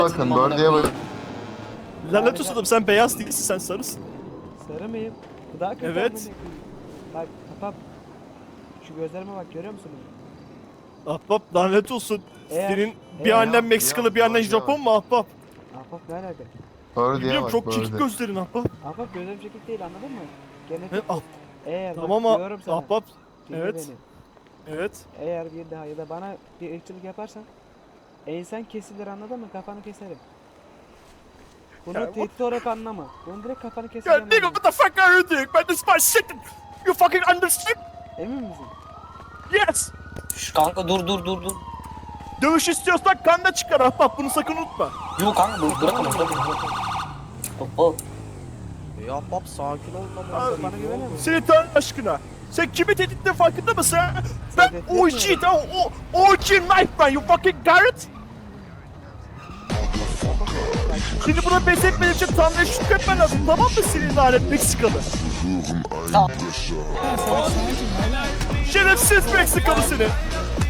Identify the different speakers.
Speaker 1: Bakın dördüye bakın.
Speaker 2: Lanet olsun adam, sen beyaz değilsin, sen sarısın.
Speaker 3: Sarı mıyım? Bu daha kötü.
Speaker 2: Evet.
Speaker 3: amına koyayım. Bak kapap. Şu gözlerime bak, görüyor musun?
Speaker 2: Ahbap lanet olsun.
Speaker 3: Eğer-
Speaker 2: Senin bir
Speaker 3: eğer-
Speaker 2: annen Meksikalı, bir annen
Speaker 1: Doğru
Speaker 2: Japon
Speaker 1: cevap.
Speaker 2: mu ahbap?
Speaker 3: Ahbap ne alaka?
Speaker 1: Dördüye
Speaker 2: Biliyorum,
Speaker 1: bak
Speaker 2: çok çekik
Speaker 1: dördüye.
Speaker 2: gözlerin ahbap.
Speaker 3: Ahbap gözlerim çekik değil, anladın mı? Genetik.
Speaker 2: He, ah,
Speaker 3: Eğer
Speaker 2: tamam
Speaker 3: bak, diyorum sana.
Speaker 2: ahbap.
Speaker 3: dinle
Speaker 2: evet.
Speaker 3: beni.
Speaker 2: Evet.
Speaker 3: Eğer bir daha ya da bana bir ırkçılık yaparsan ensen kesilir, anladın mı? Kafanı keserim. Bunu
Speaker 2: Ya,
Speaker 3: tehdit olarak anlama. Bunu direkt kafanı
Speaker 2: Ya
Speaker 3: keserim.
Speaker 2: nigga, what the fuck are you doing? Man, this is my shit. You fucking understand?
Speaker 3: Emin misin?
Speaker 2: Yes.
Speaker 4: Şu kanka dur.
Speaker 2: Dövüş istiyorsan kan da çıkar ahbap, bunu sakın unutma.
Speaker 4: Yok kanka bırakın. Hop.
Speaker 5: Ya bab sakin ol lan.
Speaker 3: Abi, bana güvenemiyor musun?
Speaker 2: Seni Tanrı aşkına. Sen kimi tehditlerin farkında mısın ha? Ben
Speaker 3: Tehditletmiyorum.
Speaker 2: OG, tamam, OG knife man, you fucking Garrett. Şimdi buna pes etmediğim için Tanrı'ya şükretmen lazım, tamam mı senin lanet Meksikalı?
Speaker 4: Tamam.
Speaker 2: Şerefsiz Meksikalı seni.